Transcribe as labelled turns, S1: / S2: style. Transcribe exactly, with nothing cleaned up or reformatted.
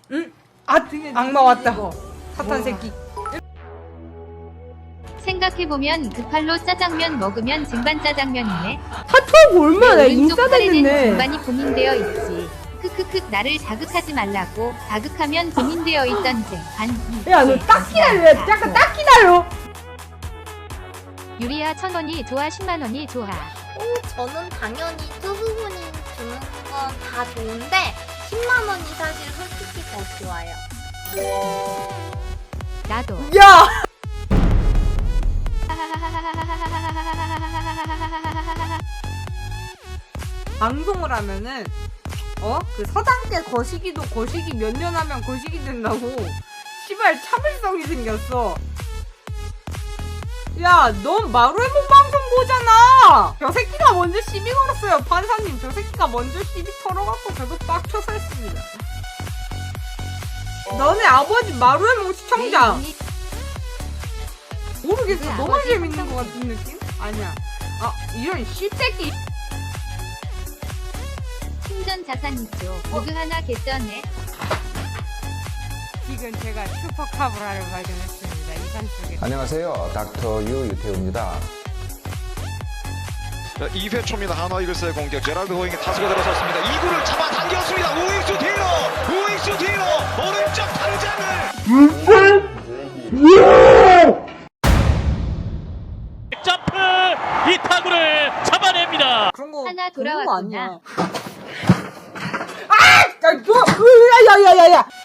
S1: 응? 아, 악마 왔다. 사탄 새끼.
S2: 생각해보면 그 팔로 짜장면 먹으면 쟁반 짜장면이네.
S3: 하트하고 얼마나
S2: 오른쪽 팔에는
S3: 인싸됐네.
S2: 쟁반이 고민되어 있지. 크크크 나를 자극하지 말라고. 자극하면 고민되어 있던 쟁반.
S3: 야, 너 딱 기다려. 약간 딱 기다려.
S2: 유리야 천 원이 좋아 십만 원이 좋아.
S4: 오, 저는 당연히 투수분이 주는 건 다 좋은데 십만 원이 사실 솔직히 더 좋아요.
S2: 나도.
S3: 야!
S1: 방송을 하면은 어? 그 서당대 거시기도 거시기 몇 년 하면 거시기 된다고. 시발 차별성이 생겼어. 야, 넌 마루에몽 방송 보잖아. 저 새끼가 먼저 시비 걸었어요. 판사님, 저 새끼가 먼저 시비 털어갖고 저도 빡쳐서 했습니다. 너네 아버지 마루에몽 시청자. 모르겠어.
S2: 네,
S1: 너무
S2: 아버지
S1: 재밌는
S2: 시청자.
S1: 것 같은 느낌? 아니야. 아, 이런 씨새끼.
S2: 충전 자산이죠. 모두 하나 개쩌네.
S1: 지금 제가 슈퍼카브라를 발견했습니다. 이 산속에.
S5: 안녕하세요. 닥터 유 유태우입니다.
S6: 이 회 초입니다. 한화 이글스의 공격. 제랄드 호잉이 타수가 들어섰습니다. 이 구를 잡아당겼습니다. 우익수 뒤로! 우익수 뒤로! 오른쪽 당장을!
S7: 점프! 이 타구를 잡아냅니다.
S1: 그런 거
S2: 하나
S1: 그런 거 아니야.
S2: 돌아왔구나.
S1: 아! 야, 너, 으, 야, 야, 야, 야, 야.